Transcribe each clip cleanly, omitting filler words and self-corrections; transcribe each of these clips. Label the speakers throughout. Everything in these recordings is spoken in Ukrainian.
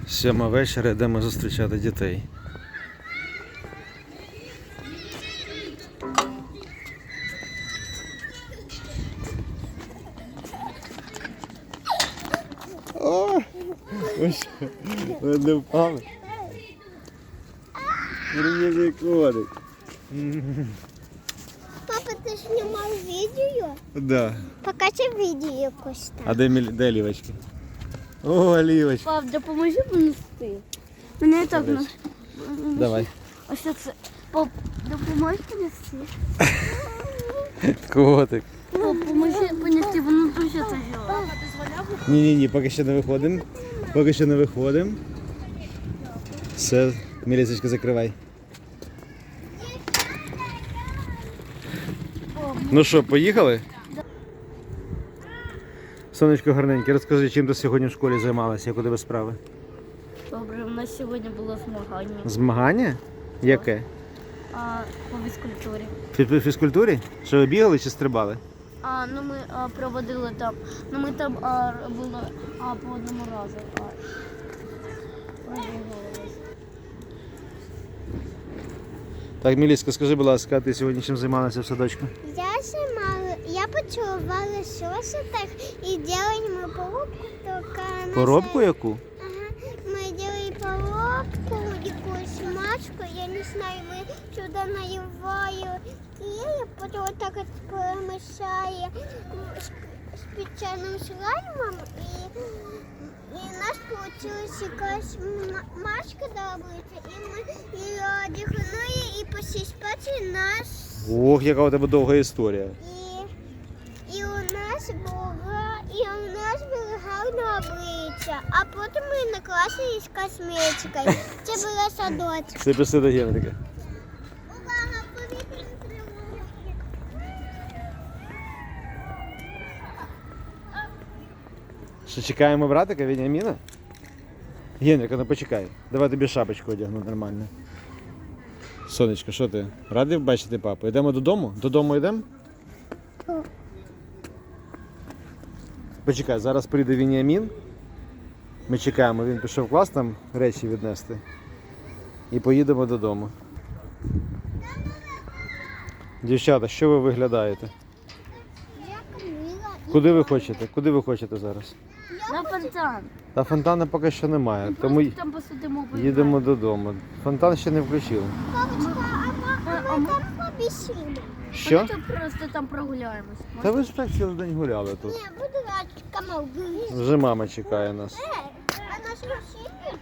Speaker 1: 7 вечора, йдемо зустрічати дітей. О! Ось, ви не впали. Привіт, котик.
Speaker 2: Папа, ты снимал видео?
Speaker 1: Да.
Speaker 2: Покажи видео якось там.
Speaker 1: А де Лівочки? О, Лівочка.
Speaker 3: Пап, допоможи понести. Мене і так на...
Speaker 1: Давай.
Speaker 3: Ось це. Пап, допоможи понести.
Speaker 1: Котик.
Speaker 3: Пап, поможи понести, воно дуже тяжело.
Speaker 1: Ні, поки ще не виходимо. Поки що не виходимо. Все, Мілісечка, закривай. Ну що, поїхали? Сонечко гарненьке, розкажи, чим ти сьогодні в школі займалася, як у тебе справи?
Speaker 3: Добре, у нас сьогодні було змагання
Speaker 1: Змагання? Яке?
Speaker 3: по фізкультурі.
Speaker 1: В фізкультурі? Що ви бігали чи стрибали?
Speaker 3: Ну ми проводили там, ми там робили по одному разу. Пробігувалися.
Speaker 1: Так, Міліска, скажи, будь ласка, ти сьогодні чим займалася в садочку?
Speaker 2: Я поцілувала соситок и делали мы поробку, только...
Speaker 1: Поробку яку?
Speaker 2: Ага, мы делали поробку, такую смачку, я не знаю, мы сюда наливаем клей, потом вот так вот промешали специальным слаймом, и у нас получилась якась машка добрыта, и мы ее дихнули, и после спати нас...
Speaker 1: Ох, яка у тебе довга історія.
Speaker 2: І у нас було гарне обличчя, а потім ми накласили з косметикою. Це була садочок.
Speaker 1: Це пішли до Генрика.
Speaker 2: Увага, повітряна тривога.
Speaker 1: Що, чекаємо братика Веніаміна? Генрика, ну почекай. Давай тобі шапочку одягну нормально. Сонечко, що ти? Радий бачити папу? Йдемо додому? Додому йдемо? Почекай, зараз прийде Веніамін. Ми чекаємо, він пішов в клас там речі віднести. І поїдемо додому. Дівчата, що ви виглядаєте?
Speaker 2: Я Каміла.
Speaker 1: Куди ви хочете? Куди ви хочете зараз?
Speaker 3: На фонтан.
Speaker 1: Та фонтану поки що немає, тому
Speaker 3: Там посидимо.
Speaker 1: їдемо додому. Фонтан ще не включили.
Speaker 2: Папочка, а ми там побісимо.
Speaker 1: Що?
Speaker 3: Ми просто там прогуляємось.
Speaker 1: Та ви ж так цілий день гуляли тут.
Speaker 2: Ні, буду рачка мовбити.
Speaker 1: Вже мама чекає нас.
Speaker 2: А наш машина?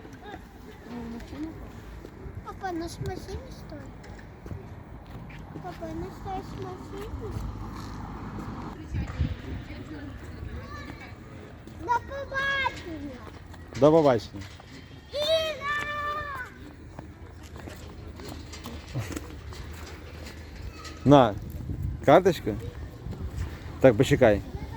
Speaker 2: Папа, наш машина стоїть. Папа, наш стоїть машина. До побачення.
Speaker 1: До побачення.
Speaker 2: Іра!
Speaker 1: На, карточка? Так, почекай.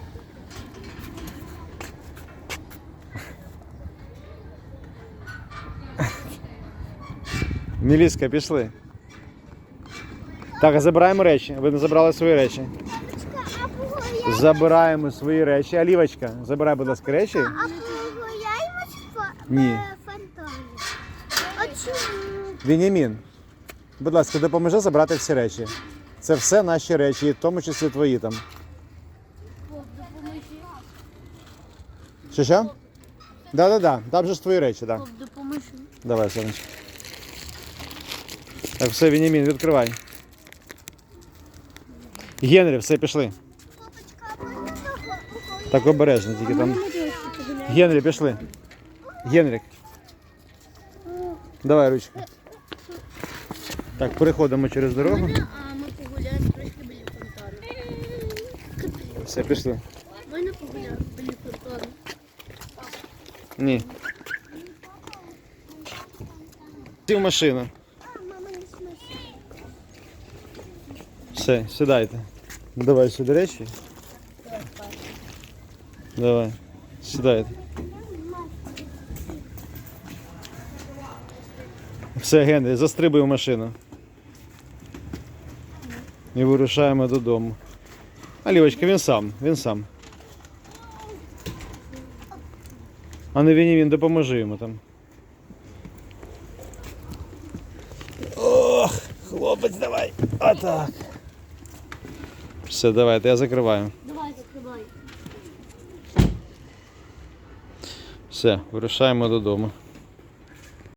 Speaker 1: Міліска, пішли. Так, а забираємо речі. Ви не забрали свої речі.
Speaker 2: А погуляємо?
Speaker 1: Забираємо свої речі. Алівочка, забирай, будь ласка, речі.
Speaker 2: А погуляємо
Speaker 1: Ні.
Speaker 2: в фонтані? А чому?
Speaker 1: Веніамін, будь ласка, допоможи забрати всі речі. Це все наші речі, в тому числі твої там. Що? Да. Там же ж твої речі, так.
Speaker 3: Пап, допоможи.
Speaker 1: Давай, сонечко. Так, все, Веніамін, відкривай. Генрі, все, пішли.
Speaker 2: Папочка, а можна погуляти?
Speaker 1: Так обережно, тільки там. Генрі, пішли. Генрік. Давай ручку. Так, переходимо через дорогу.
Speaker 3: Ми погуляємо трошки біля фонтану.
Speaker 1: Все, пішли.
Speaker 3: Можна погуляти біля фонтану?
Speaker 1: Ні. Сів в машину.
Speaker 2: Мама не смачна.
Speaker 1: Все, сідайте. Давай сюди речі. Давай, сідайте. Все, Генрі, застрибуй в машину. І вирушаємо додому. А Лівочка, він сам. А ну Веніамін, допоможи йому там. Ох, хлопець, давай. Отак. Все, давайте, я закриваю.
Speaker 3: Давай, закривай.
Speaker 1: Все, вирушаємо додому.